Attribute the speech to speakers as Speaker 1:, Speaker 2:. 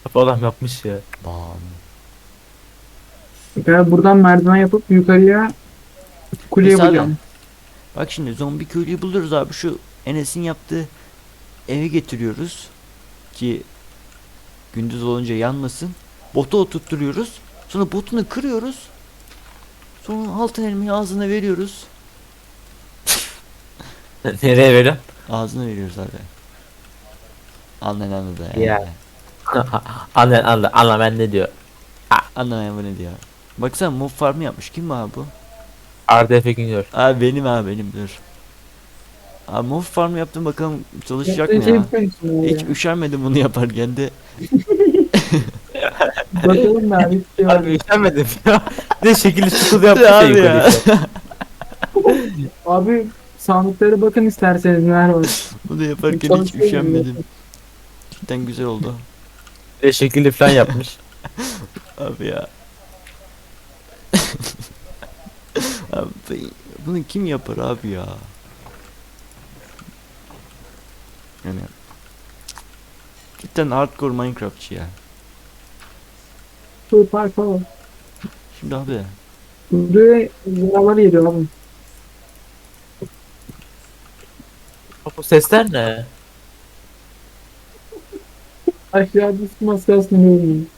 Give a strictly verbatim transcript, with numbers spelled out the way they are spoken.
Speaker 1: Adam yapmış ya.
Speaker 2: Bam.
Speaker 3: Ben buradan merdiven yapıp yukarıya kule
Speaker 2: Neyse abi.
Speaker 3: yapacağım.
Speaker 2: Bak şimdi zombi köylüyü buluyoruz abi. Şu Enes'in yaptığı eve getiriyoruz. Ki gündüz olunca yanmasın. Botu oturtturuyoruz. Sonra botunu kırıyoruz. Sonra altın elmayı ağzına veriyoruz.
Speaker 1: Nereye veriyorsun?
Speaker 2: Ağzına veriyoruz abi. Annen anladı ya.
Speaker 1: Ya. Anla anla anla ben ne diyor.
Speaker 2: Anlamayan bu ne diyor. Baksana mob farmı yapmış. Kim bu abi bu?
Speaker 1: Arda Efe Güngör.
Speaker 2: Abi benim abi benim dur. Abi mob farmı yaptım bakalım çalışacak
Speaker 3: Yaptığın
Speaker 2: mı
Speaker 3: şey
Speaker 2: ya?
Speaker 3: yapıyorsun
Speaker 2: Hiç
Speaker 3: ya.
Speaker 2: üşenmedim bunu yaparken de.
Speaker 3: Bakalım ben bir şey var.
Speaker 1: Abi üşenmedim ya. Ne şekilli çukur yapmış ya
Speaker 2: Abi ya.
Speaker 1: yukarıya.
Speaker 3: Abi sandıklara bakın isterseniz neler var.
Speaker 2: Bunu yaparken hiç
Speaker 3: Çalışıyorum
Speaker 2: üşenmedim. Cidden güzel oldu.
Speaker 1: Ne şekilli falan yapmış.
Speaker 2: Abi ya. Abi bunu kim yapar abi ya? Yani cidden hardcore Minecraftçı ya.
Speaker 3: Süper falan.
Speaker 2: Şimdi abi
Speaker 3: Buraya canavar geliyor abi.
Speaker 1: Bu sesler ne?
Speaker 3: Aşağıda su maskasını görmüyorum.